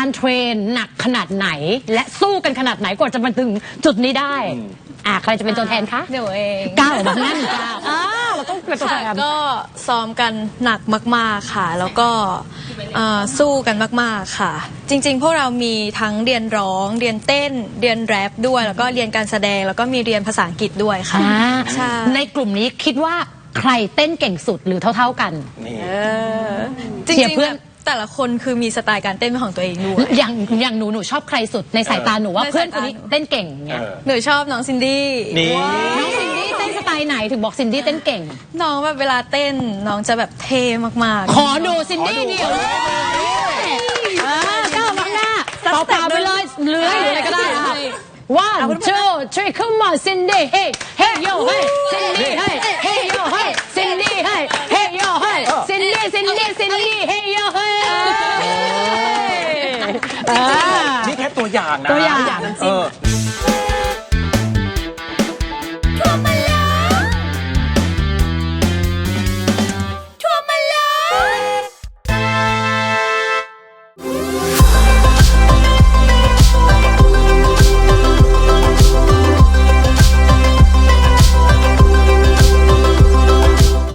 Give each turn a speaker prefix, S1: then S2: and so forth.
S1: การเทรนหนักขนาดไหนและสู้กันขนาดไหนกว่าจะมาถึงจุดนี้ได้ใครจะเป็นตัวแทนคะ
S2: เดี๋ยวเอง
S1: ก้าวออกมานั่นก้าวเราต้องเป็นตัวแทน
S2: ก็ซ้อมกันหนักมากๆค่ะแล้วก็สู้กันมากๆค่ะจริงๆพวกเรามีทั้งเรียนร้องเรียนเต้นเรียนแรปด้วยแล้วก็เรียนการแสดงแล้วก็มีเรียนภาษาอังกฤษด้วยค่ะ
S1: ใช่ในกลุ่มนี้คิดว่าใครเต้นเก่งสุดหรือเท่าๆกัน
S2: จริงๆเพื่อนแต่ละคนคือมีสไตล์การเต้นของตัวเองด้วย
S1: อย่างหนูชอบใครสุดในสายตาหนูว่าเพื่อนคนนี้เต้นเก่งเนี่ย
S2: หนูชอบน้องซินดี้
S1: น้องซินดี้เต้นสไตล์ไหนถึงบอกซินดี้เต้นเก่ง
S2: น้องแบบเวลาเต้นน้องจะแบบเท่มาก
S1: ๆขอดูซินดี้เดียวก้าวมาหน้าเปล่าไปเลยเลื้อยหรืออะไรก็ได้1 2 3 come on Cindy hey hey yo hey Cindy hey hey yo hey Cindy hey hey yo hey Cindy hey yo hey
S3: นี่แค่ตัวอย่างนะ